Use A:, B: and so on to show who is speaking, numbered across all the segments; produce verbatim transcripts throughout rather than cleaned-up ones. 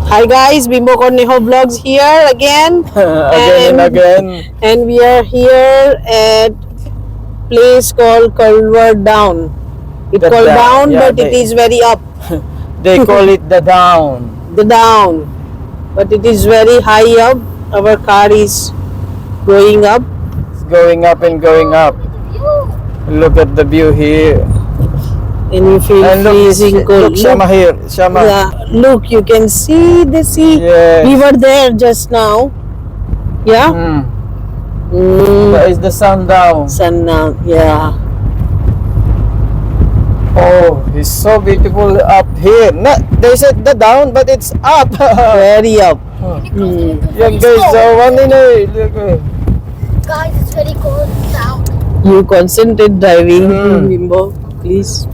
A: Hi guys, Bimbo Cornejo Vlogs here again.
B: again and, and again.
A: And we are here at place called Culver Down. It
B: The
A: called
B: da-
A: down,
B: yeah,
A: but
B: they-
A: it is very up.
B: They call it the down.
A: The down, but it is very high up. Our car is going up.
B: It's going up and going up. Look at the view here.
A: And we feel
B: And look,
A: freezing cold.
B: look, Shama here. Shama.
A: Yeah, look, you can see the sea.
B: Yes.
A: We were there just now. Yeah.
B: Mm.
A: Mm.
B: That is the sun down.
A: Sun now. Yeah.
B: Oh, it's so beautiful up here. No, they said the down, but it's up.
A: Very up.
B: Mm. Yan guys, so one in a look. eh.
C: Guys, it's very cold down.
A: You concentrate driving,
B: Mm.
A: Bimbo, please.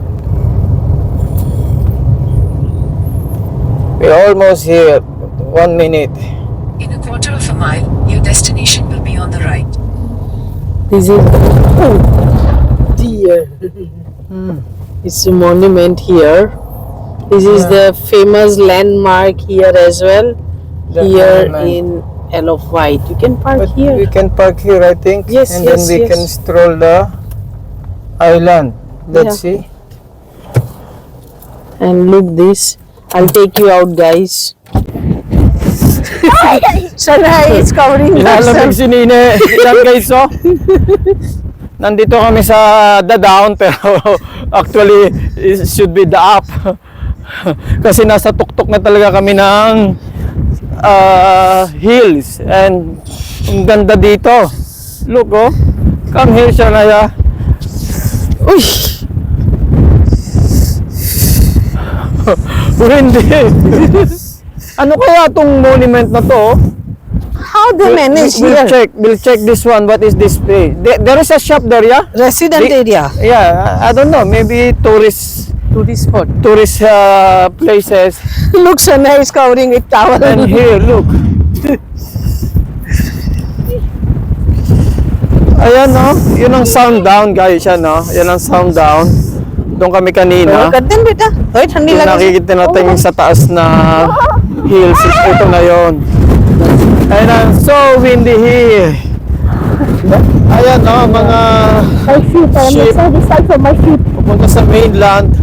B: We're almost here. One minute.
D: In a quarter of a mile, your destination will be on the right.
A: This is oh dear.
B: Mm.
A: It's a monument here. This is
B: Yeah.
A: the famous landmark here as well.
B: The
A: here
B: monument.
A: in Isle of Wight. You can park
B: But
A: here.
B: we can park here, I think.
A: Yes,
B: and
A: yes,
B: then we
A: yes.
B: can stroll the island. Let's
A: Yeah.
B: see.
A: And look this. I'll take you out, guys. Shanghai is covering
B: Ilalamig
A: herself.
B: si Nine. Yan guys, oh. Nandito kami sa the down, pero actually it should be the up. Kasi nasa tuktok na talaga kami ng uh, hills. And ang ganda dito. Look, oh. Come here, Shania. Uy! Hindi. Ano kaya tong monument na to?
A: How they manage
B: we'll
A: here?
B: check. We'll check this one. What is this place? There, there is a shop there, yeah?
A: Resident
B: Big-
A: area.
B: Yeah, I I don't know. Maybe tourist
A: Tourist spot.
B: tourist uh, places.
A: Look, Shanghai is covering with towel.
B: And here, look. Ayan, no? Yun ang sound down, guys. Yan, no? Yan ang sound down. Doon kami kanina.
A: कर दें बेटा वही ठंडी
B: Yung
A: लगे
B: nakikita natin yung sa taas na hills. Ito na yun. And I'm so windy here. Ayan, no? Mga
C: My feet, I'm
B: Sheep.
C: so distant from my feet.
B: pupunta sa mainland.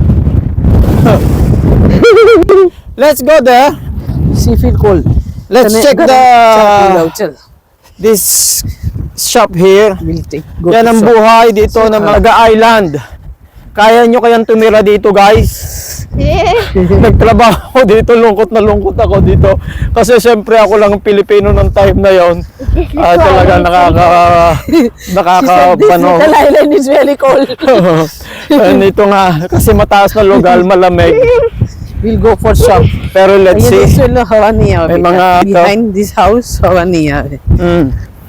B: Let's go there.
A: See feel cold
B: Let's check the
A: चल
B: this shop here.
A: Will take go
B: Yan ang buhay dito ng mga island. Kaya nyo kayang tumira dito, guys?
C: Yeah.
B: Nagtrabaho ako dito, lungkot na lungkot ako dito. Kasi syempre ako lang ang Pilipino ng time na yon. Ah, talaga nakaka nakakabano.
A: The island is very cold.
B: And ito nga, kasi mataas na lugar, malamig.
A: We'll go for shop.
B: Pero let's
A: ये
B: see.
A: दोस्तों हवा नहीं आ
B: May mga-
A: behind this house हवा नहीं आ रही
B: Mm,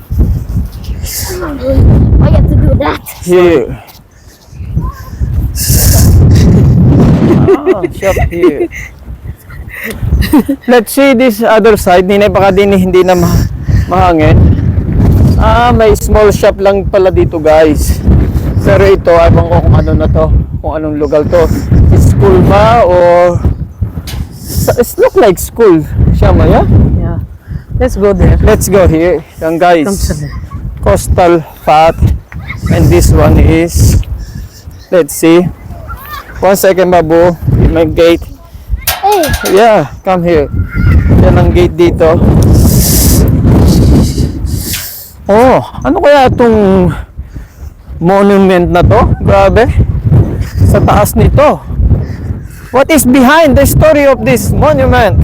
C: Why you have to do that?
B: here. Ah, shop here. Let's see this other side. Hindi na baka din hindi na ma- mahangin. Ah, may small shop lang pala dito, guys. Pero ito, ewan ko kung ano na to. Kung anong lugar to. School ba or it look like school. Shama, yeah?
A: yeah let's go there
B: Let's go here. Yan, guys.
A: come Shanghai
B: Coastal path. And this one is, let's see. One second, babu. My gate.
C: Hey,
B: Yeah, come here. Yan ang gate dito. Oh, ano kaya itong monument na to? Grabe. Sa taas nito. What is behind the story of this monument?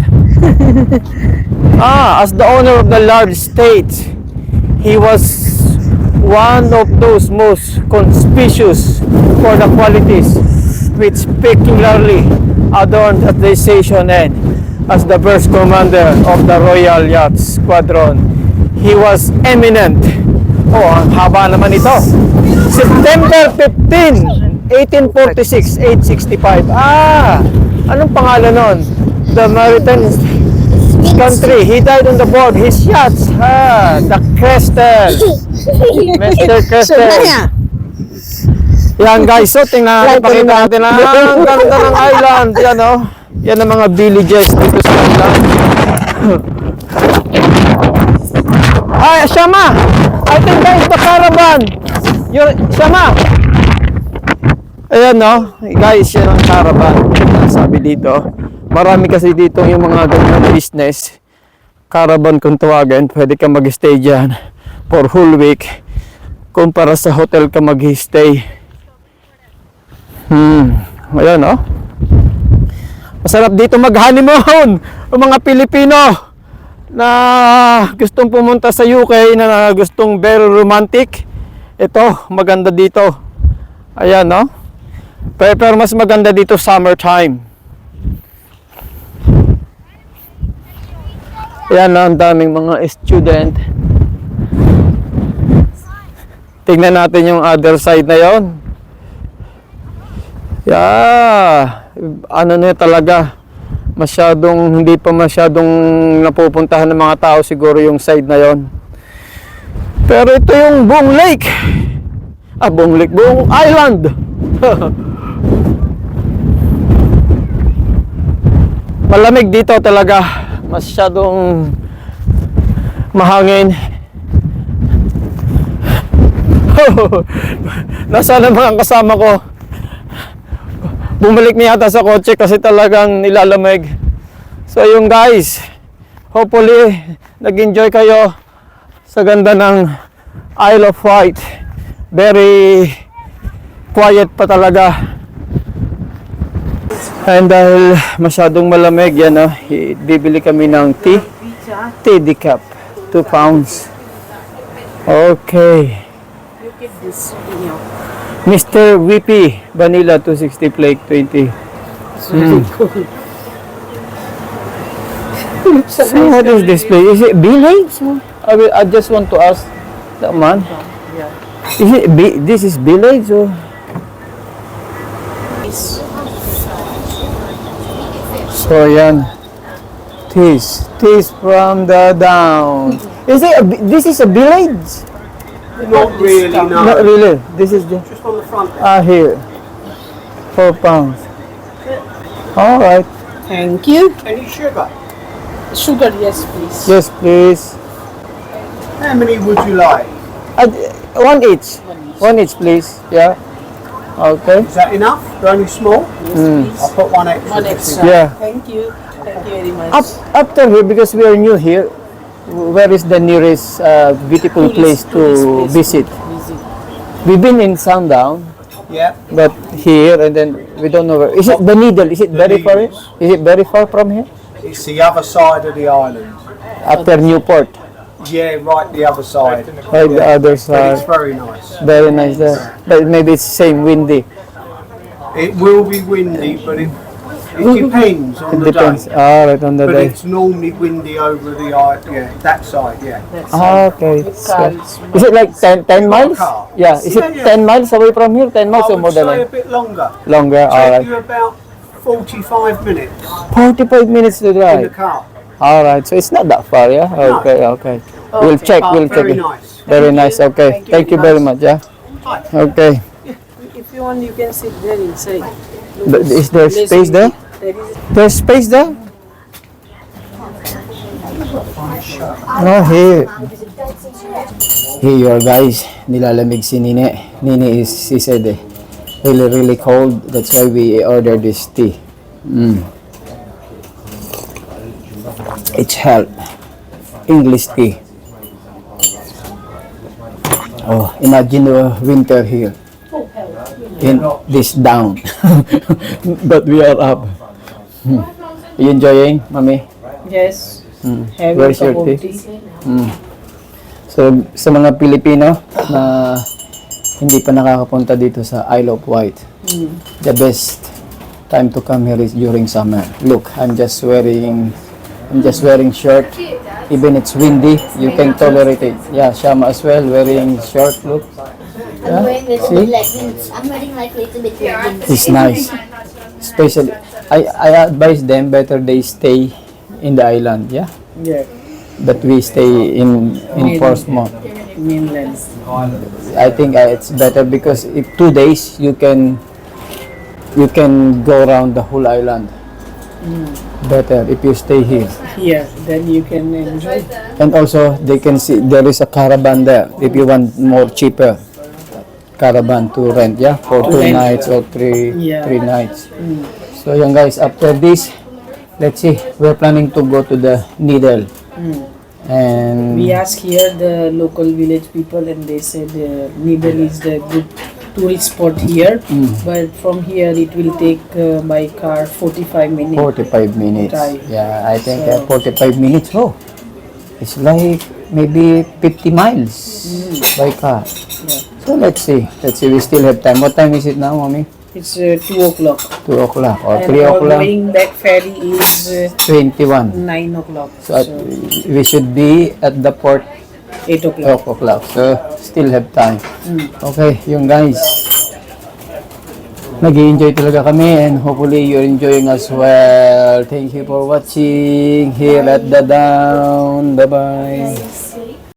B: Ah, as the owner of the large estate, he was one of those most conspicuous for the qualities which particularly adorned at the station end as the first commander of the Royal Yacht Squadron. He was eminent. Oh, ang haba naman ito. September fifteenth, eighteen forty-six, age sixty-five. Ah, anong pangalan nun? The Maritime country. He died on the board. His yachts. Ah, the Crestel. Mister Crestel.
A: Shanghai
B: Yan guys, so tingnan natin, pakita natin ang ganda ng island. Yan oh. Yan ang mga villages dito sa island. Ay, Shama! I think that is the caravan! Your, Shama! Ayan no, guys, yan ang caravan. Sabi dito, marami kasi dito yung mga ganyan business. Caravan kung tawagin, pwede ka mag-stay dyan for whole week. Kumpara sa hotel ka mag-stay. Hmm, ayan no. Masarap dito mag-honeymoon ang mga Pilipino na gustong pumunta sa U K, na gustong very romantic. Ito, maganda dito. Ayan, no? Pero, pero mas maganda dito summertime. Ayan, no? Ang daming mga student. Tingnan natin yung other side na yon. Yeah. Ano na talaga, masyadong, hindi pa masyadong napupuntahan ng mga tao siguro yung side na yon. Pero ito yung buong lake. Ah, buong lake, buong island. Malamig dito talaga. Masyadong mahangin. Nasaan ang mga kasama ko? Bumalik niya yata sa kotse kasi talagang nilalamig. So yung guys, hopefully nag-enjoy kayo sa ganda ng Isle of Wight. Very quiet pa talaga. And dahil masyadong malamig yan, no, bibili kami ng tea. Tea decaf, two pounds. Okay. Mister V P Vanilla two sixty Flake twenty. Mm. So what is this place? Is it village? I, will, I just want to ask that man. Is it B, this is village or? So yan. Tis, tis from the down. Is it? A, this is a village?
E: Not really, no.
B: Not really. This is the.
E: Just on the front there.
B: Ah, here. Four pounds. All right.
A: Thank you.
E: Any sugar?
A: Sugar, yes, please.
B: Yes, please.
E: How many would you like?
B: Uh, one each. One each, please. Yeah. Okay.
E: Is that enough? They're only small? I'll put one extra.
A: One
E: just
A: extra.
E: in-
B: Yeah.
A: Thank you. Thank you very much.
B: Up after here, because we are new here, where is the nearest uh, beautiful place
A: Tourist-
B: to
A: tourist place
B: visit?
A: to visit.
B: We've been in Sundown,
E: Yeah.
B: but here and then we don't know where. Is it the Needle? Is it
E: The
B: very far?
E: Needles.
B: Is it very far from here?
E: It's the other side of the island.
B: After Newport,
E: Yeah, right the other side.
B: right the other
E: But
B: side.
E: it's very nice.
B: Very nice there. But maybe it's same windy.
E: It will be windy, but it, it depends on
B: It
E: the
B: depends.
E: day.
B: Ah, right on the
E: But
B: day.
E: it's normally windy over the island. Yeah, that side, yeah.
A: That's
B: Ah,
A: all.
B: okay.
A: With
B: So,
A: cars.
B: is it like ten, ten
E: You got a
B: miles?
E: car?
B: Yeah. Is
E: Yeah,
B: it
E: yeah.
B: ten miles away from here? ten miles
E: I
B: or more
E: would
B: than
E: say a
B: that?
E: bit longer.
B: Longer. All
E: Take
B: right.
E: you about forty-five minutes
B: forty-five minutes to
E: in the
B: drive.
E: car.
B: All right. So it's not that far, yeah?
E: No.
B: Okay, okay. We'll
A: Okay.
B: check.
E: Oh,
B: We'll check
E: very
B: it.
E: nice.
B: Very nice. Okay.
A: Thank you
B: Thank you
A: very
B: very much, yeah?
E: Hi.
B: Okay.
A: If you want, you can sit there inside.
B: But is there
A: Less
B: space there?
A: There is.
B: There's space there? No, here. Here you are, guys. Nilalamig si Nine. Nine is, she said, eh, really, really cold. That's why we ordered this tea. Mm. It's help. English tea. Oh, imagine the winter here. In this down. But we are up. Hmm. You enjoying, Mami?
A: Yes.
B: Hmm.
A: Having
B: Where's your
A: cup of
B: tea?
A: tea.
B: Hmm. So, sa mga Pilipino na hindi pa nakakapunta dito sa Isle of Wight, the best time to come here is during summer. Look, I'm just wearing I'm just wearing short. Even it's windy, you can tolerate it. Yeah, Shama as well, wearing short. Look,
C: I'm wearing a little
B: See?
C: bit leggings. I'm wearing like a little bit leggings.
B: it's nice. Especially, I, I advise them better they stay in the island, yeah?
A: Yeah.
B: But we stay in, in Portsmouth.
A: Mainland.
B: I think uh, it's better because if two days you can you can go around the whole island. better if you stay here.
A: Here, then you can enjoy.
B: And also, they can see there is a caravan there if you want more cheaper caravan to rent, yeah, for
A: To
B: two
A: rent.
B: nights or three
A: Yeah.
B: three nights.
A: Mm.
B: So, yan guys, after this, let's see, we're planning to go to the Needle.
A: Mm.
B: And
A: We asked here the local village people, and they said uh, Needle is the good tourist spot here.
B: Mm.
A: But from here, it will take uh, by car forty-five minutes.
B: forty-five minutes.
A: Drive.
B: Yeah, I think
A: So-
B: uh, forty-five minutes. Oh, it's like maybe fifty miles by car.
A: Yeah.
B: So let's see. Let's see. We still have time. What time is it now, mommy?
A: It's uh, two o'clock.
B: Two o'clock or
A: And
B: three
A: our
B: o'clock?
A: going back ferry is uh,
B: Twenty-one.
A: nine o'clock.
B: So at,
A: So
B: we should be at the port
A: eight o'clock.
B: twelve o'clock. So still have time.
A: Mm.
B: Okay, yung guys. Nag-i-enjoy talaga kami and hopefully you're enjoying as well. Thank you for watching here at the Down. Bye-bye.